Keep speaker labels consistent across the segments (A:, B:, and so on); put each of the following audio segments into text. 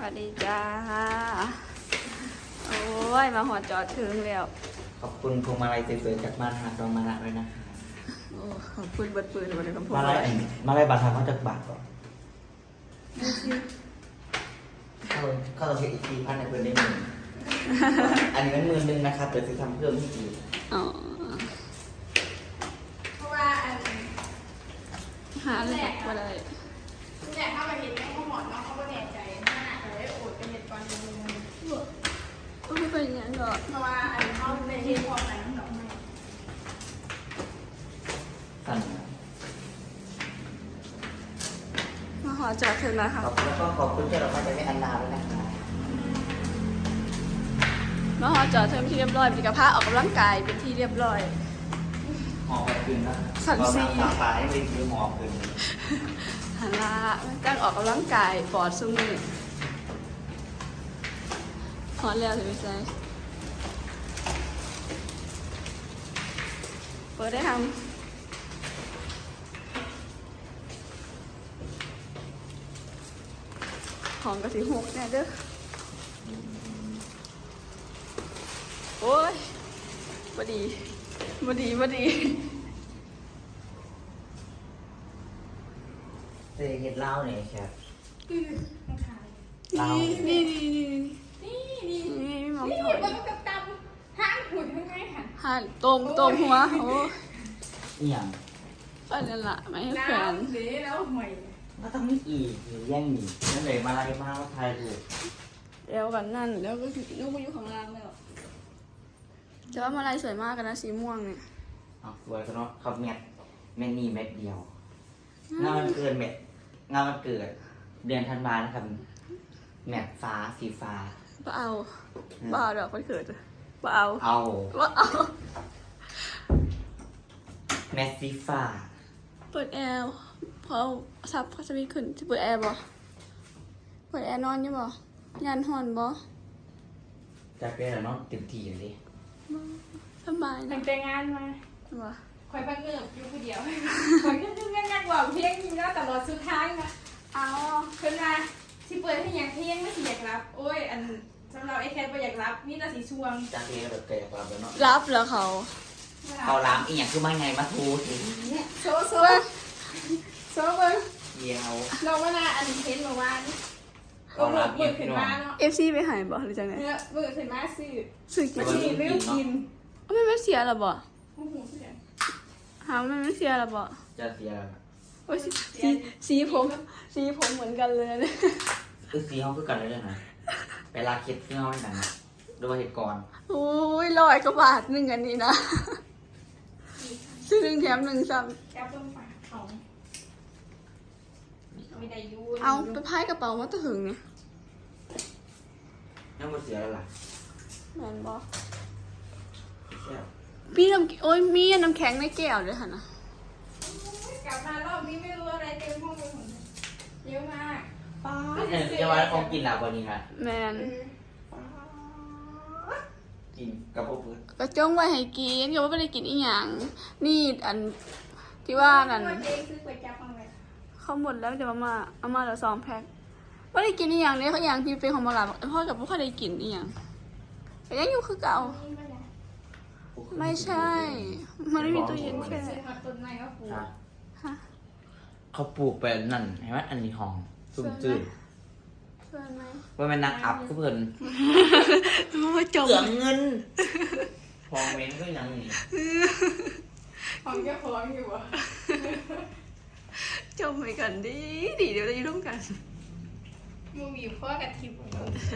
A: วัสดีจ้าโอ้ยมาหอดจอดถึงแล้ว
B: ขอบคุณพวงมาลัยสวยๆจากบ้านหาดรองมานะด้วยนะคะ
A: โอ้ขอบคุณเบิดปืนวันนี้คำพูด
B: มาลัยบาททางเขาจากบาทก่อนเขาเราเช็คอีกทีพันในเพื่อนได้หมื่นอันนี้มัน11,000นะครับเดี๋ยวจะทำเพิ่มให้อีก
A: อ๋อ
C: เพราะว่าอัน
A: หาเลยมาเลย
C: เนี่ยถ้ามาเห็นแม่เขาหมอนน้องเขาก็แน่ใจมากเลยโอดเป็นเหตุการณ์นึง
A: ก็ไม่เป็นอย่างนั้นหรอก
C: เพราะว่าอันเขาในเรื่องความหมายของดอกไม้
B: สั่น
A: มาหอดจอดถึงแล้วค่ะ
B: ขอบคุณแล้วก็ขอบคุณที่เรามาจากแม่อันนาด้วยนะคะ
A: มาหอดจอดถึงที่เรียบร้อยมีกระเพาะออกกำลังกายเป็นที่เรียบร้อย
B: หอมแบบคืนนะ
A: สั่นสิ
B: เราปลาให้ไปซื้อหอมคืน
A: หันละจ้างออกกำลังกายปอดซุ้มนี่หอดแล้วถึงไปใส่เปิดได้ทำของกระสีหกเนี่ยเด้อโอ้ยบดีบดีบดี
B: เจ๊เห็ดเหล้าเนี่ยครับ
C: ต้องขาย
A: นี่
C: นี่นี่
A: นี่มอง
C: นี่
A: ถอย
C: มันกับตำห้างหุ่นทั้งไงค่ะ
A: หันตรงหัวโอ้
B: นี่อย่าง
A: ก็นั่นละไม่ให้แขวน
C: เดี๋ยวแล้วห่วย
B: ก็ต้องมีอีกหรือแย่งหนีนั่นเลยมาลัยมาว่าไทยถูก
A: เดี๋ยวกันนั่นแล้วก็ลูกก็อยู่ข้างล่างแล้วแต่ว่ามาลายสวยมากกันนะสีม่วงเนี่ย
B: เอาสวยกันเนาะเขาเม็ดนี่เม็ดเดียวงานมันเกินงานมันเกิดเดือนธันวานะครับแมทฟ้าสีฟ้า
A: บ้าเอาบ้าเอาดอกมันเกิดบ้าเอา
B: เอา
A: บ้าเอา
B: แมทสีฟ้า
A: เปิดแอร์พอซับเขาจะมีขึ้นจะเปิดแอร์บ่เปิดแอร์นอนยังบ่ยันหอนบ่
B: จะเป็นอะไรเนาะเต็มที่เลย
A: สบาย
C: ตั้
A: นะ
C: งแต่งานมา
A: บ่
C: คอยพักเงือบอยู่คนเดียวคอยขึ้นงักบอกเพียงยิงแล้วตลอดสุดท้ายนะเอาขึ้นมาที่เปิดให้ยังเพียงไม่สิอยากรับโอ้ยอันสำหรับไอ้แคทไม่อยากรับนี่น่าสีช่วง
B: จากเรียนแบบเกิดความเป็นเนาะ
A: รับแล้วเขา
B: เขาล้างอีกอย่างคือมาไงมาทูสิ
C: โซ่เบิ้ง
B: เดียว
C: น้องว่านาอันเห็นเมื่อวานเบิกขึ้นมาเนาะ
A: FC ไปหายบ่หรือจังไง
C: เนี่ยเบิกขึ้นมาซื้อ
A: สึก
C: มาชีเรื่องกิน
A: ไม่เสียหรอบ่
C: โอ้โหเสีย
A: หาไม่เสียหรอบ่
B: จะเสีย
A: โอ้ยสีผมเหมือนกันเลยนะ
B: คือสีห้องคือกันเลยนะเวลาคิดที่ห้องไหนนะดูว่าเหตุก่อน
A: โอ้ย100 กว่าบาทหนึ่งอันนี้นะซื้อ1 แถม 1ซ้ำ
C: แก้วเปิ้ลฝาเขาไม่ได้ยู
A: เอาไปพายกระเป๋ามาตะหึงเนี่ย
B: ยังไม่เสียแล้วล่ะ
A: แมนบอ
B: เสีย
A: พี่โอ้ยมีน้ำแข็งในแก้วด้วยค่ะนะ
C: กลับมารอบนี้ไม่รู้อะไรเต็มห้องไปหมดเยอะมาก
A: ป้า
B: เนี่ยจะว่าของกินหลับกว่านี้นะ
A: แมน
B: กินกับพวกเพื่อน
A: กระจ้งไว้ให้กินก็ว่าไม่ได้กินอีหยังนี่อันที่ว่านั่น
C: เจ๊ซื้อก๋วยจั๊บมาเลย
A: เขาหมดแล้วจะเอามาแล้ว2 แพ็คไม่ได้กินอีหยังเนี่ยเขาอย่างที่เป็นของมาลาพ่อกับพ่อได้กินอีหยังแต่ยังอยู่คือเก่าไม่ใช่ มันไม่มีตู้เย็นแช่
C: ซื้อมาต้นไม้ก็ปลูก
A: ฮะ
B: เขาปลูกไปนั่นเห็นไหมอันนี้ห้องซุ่มจืด
A: เพื่อนไหม
B: ว่ามันนักอัพก็เพิ่น
A: มาจม
B: เกือบเงินพองเม้นก็ยังนี่
C: ของเจ้าของอยู่อ่ะ
A: จมไปกันดีเดี๋ยวเราจะร่วมกัน
C: มึงมีพ่อกับทิพย์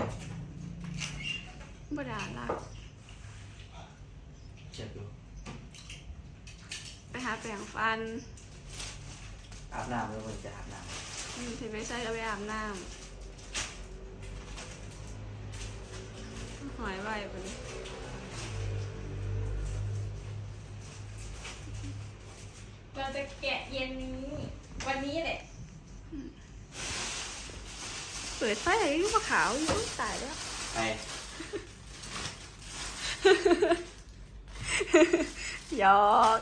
A: บดาลาก
B: เจ็บอยู่
A: ไปหาแปรงฟัน
B: อาบน้ำแล้วมันจะอาบน้
A: ถึงไม่ใช่ก็ไปอาบน้ำหอยไหวไปเลย
C: เราจะแกะเย็นนี้วันนี้แหละ
A: เปิดไฟอะไรก็ขาวอยู่ตายแล้ว
B: ำไป
A: หยอก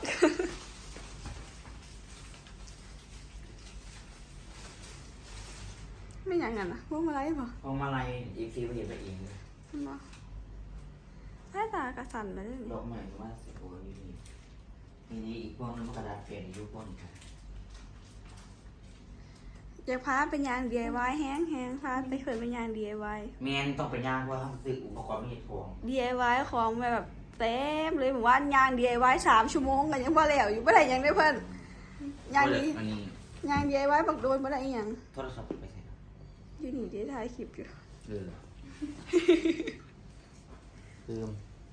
A: ไม่อย่างนั้นนะพวกมาไล่ป่ะ
B: พอมาลัยอีกทีไปเห็นไปเองเลย
A: มาใต้ตากระสันไปเลย
B: ดอกใหม่ว่าสิโอ้ยนี่อีกพวกนึงมันกระดาษเปลี่ยนยุคพวกนี้ครับ
A: อยากพาเป็นยาง DIY แห้งพาไปเคยเป็นยาง DIY
B: แมนต้องไปย่างเพราะว่าต้องซื้ออุปกรณ์ไม่เห็ดพวง
A: DIY ของแบบเต็มเลยผมว่ายาง DIY 3 ชั่วโมงกันยังพอแล้วอยู่ไม่ได้ยังได้เพิ่นยางนี้
B: อันนี้
A: ยาง DIY บักโดนไม่ได้อีหยัง
B: โทรศัพท์ไปใส่
A: อยู่นี่ได้ถ่ายคลิปอยู่
B: ลืม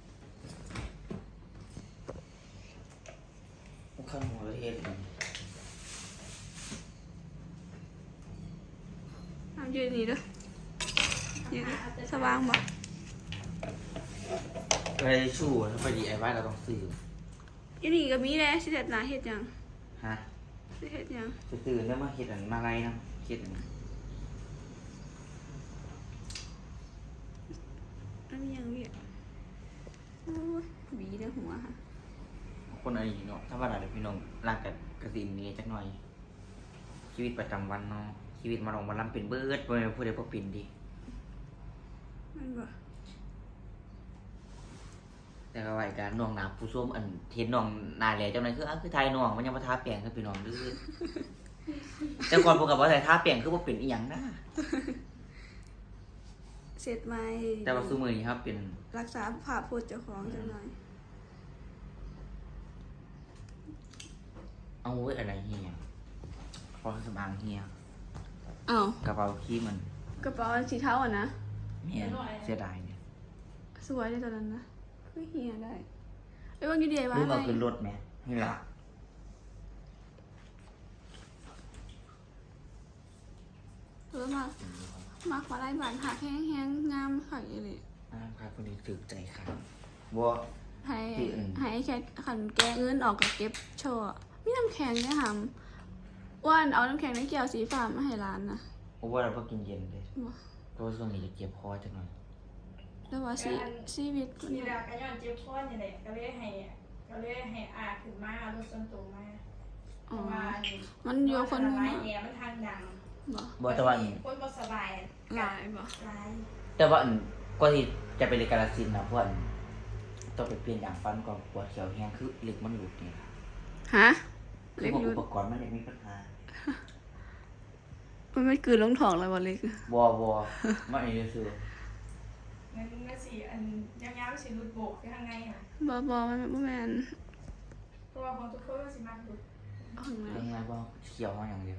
B: ข้างหัวประเทศ
A: เอายืนนี่ด้วยยืนสว่างบ่
B: ไปชูถ้าไปดีไอไว้เราต้องซื้อ
A: อยู่นี่ก็มีแหละสิเฮ็ดหน้าเฮ็ดหยัง
B: ฮะ
A: สิเฮ็ดหยัง
B: จะตื่นแล้วมาเห็ดอันมาไรนะเห็ดอัน
A: อันนี้ยังเวียโอ้ยหวีในหัวค่ะ
B: คนอะไรเนาะถ้าว่าอะไรพี่น้องรักกับกระสินนี้จักหน่อย ชีวิตประจำวันเนาะชีวิตมาลองมาลำเป็นเบิร์ดบ่พูดได้บ่เป็นดิ
A: นั่นบ่
B: แต่ก็ว่าการน้องหนาผู้ส้มอันเห็นน้องหนาแหล่จังไดคือคือไทยน้องมันยังบ่ทาแป้งคือพี่น้องดื้อแต่ก่อนพวกกับว่าใส่ทาแป้งคือบ่เป็นอีหยังนะ
A: เสร็จไหม
B: แต่ว่าซุมื้อนี้ครับเป็น
A: รักษาภาพพจน์เจ้าของจังหน่อย
B: เอาไว้อะไรเฮียพอสมางเฮีย
A: อ้าว
B: กระเป๋าขี้มัน
A: กระเป๋าอันสีเทาอ่ะนะ
B: เมียเสียดายเนี่ย
A: สวยเลยตอนนั้นนะคือเฮียได้ไอ้ยว่าอยู่ DIY
B: รู้มา
A: ไหม
B: ขึ้นรถไหมนี่ละ
A: มาขอไล่บานหักแห้งๆงามค่ะอีหลี
B: ครับคนนี้ถึกใจครับบัว
A: ให้
B: ที่อื่น
A: ให้แค่ขันแกะเงินออกกับเก็บโชว์อะมีน้ำแข็งเนี่ยค่ะว่านเอาน้ำแข็งในแก้วสีฟ้ามาให้ร้านนะ
B: เพราะว่าเราก็กินเย็นเลย
A: บ่
B: เพราะว่าช่วงนี้จะเจ็บคอจังหน่อย
A: แต่ว่าชีวิตมัน
C: นี่แหละก็ย้อนเจ็บข้อนี่แหละก็เลยให้อาขึ้นมาเอารถส่วนตัวมาเพ
A: อ๋อ
C: ราะว่า
A: มันอยู่กับคน
C: มั
A: นึง
C: น
A: อะ
C: แอร์มันทางดัง
A: บ่
B: บัวแต่ว่า
C: คนบ่สบาย
A: หลายบ่
C: หลาย
B: แต่ว่าก็ที่จะไปเรียนกาลสินธุ์นะเพราะว่าต้องไปเปลี่ยนอย่างฟันก่อนปวดเขียวแห้งคือเหล็กมันหลุดเนี่ย
A: ฮะ
B: คือ
A: เล็ก
B: พวก
A: อ
B: อุ
A: ยู่
B: ปกรณ์มันเลยมีปัญหา
A: มันไม่กลืนลงท้องเลยบ่เล็ก
B: บัวมันอันนี้คือ
C: งั้นก็สิอันยาวๆสิหลุดโบกอยู่ข้างในอ่ะ
A: บ่มันบ่แม่น
C: เพราะว่าของทุกคนก็สิมักหลุด
A: เอาข้างใน
B: เรื่องอะไรบ้างเขียวมาอย่างเดียว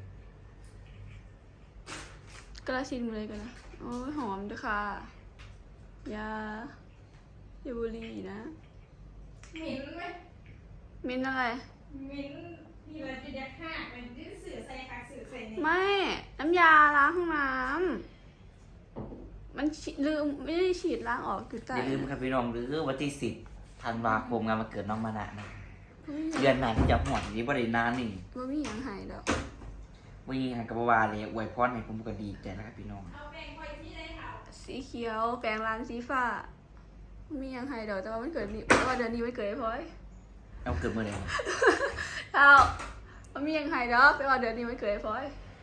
A: กระชินเลยกันนะโอ้ยหอมด้วยค่ะยาบุหรี่นะ
C: หมิ่นไหม
A: มินอะไร
C: หมิ่นมีอะไรจะยักหักมันจะสื่อใส่คักสื่อใส่นี่
A: ไม่น้ำยาล้างห้องน้ำมันลืมไม่ได้ฉีดล้างออกคือใต้
B: อย่าลืมครับพี่น้องหรือวันที่10 ธันวาคมงานวันเกิดน้องมานะนะ
A: เฮ้ย
B: เดือนหน้าที่จะหอดนี้บริณานนี่
A: บ่มีหยังหายดอก
B: วันนี้กับวาเลยอวยพรให้ผมก็ดีใจนะครับพี่น้อง
C: เอาแบ่งคอยที่ได้ค่ะ
A: สีเขียวแปลงร้านสีฟ้าบ่มีหยังหายดอกแต่ว่ามันเกิดนี่แต่ว่าเดือนนี้มันเกิดไอ้พลอย
B: เอาเกิดเมื่อไหร่
A: เอาบ่มีหยังหายดอกแต่ว่าเดือนนี้มันเกิดไอ้พลอย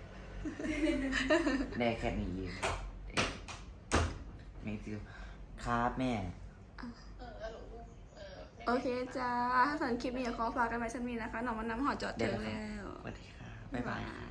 B: ได้แค่นี้เองไม่ซื้อครับแม่
A: โอเคจ้าถ้าสำหรับคลิปนี้ขอฝากกันไว้สักนิดนะคะหนองมันน้ำหอดจอดถึงแล้ว
B: สวัสดีครับบ๊ายบาย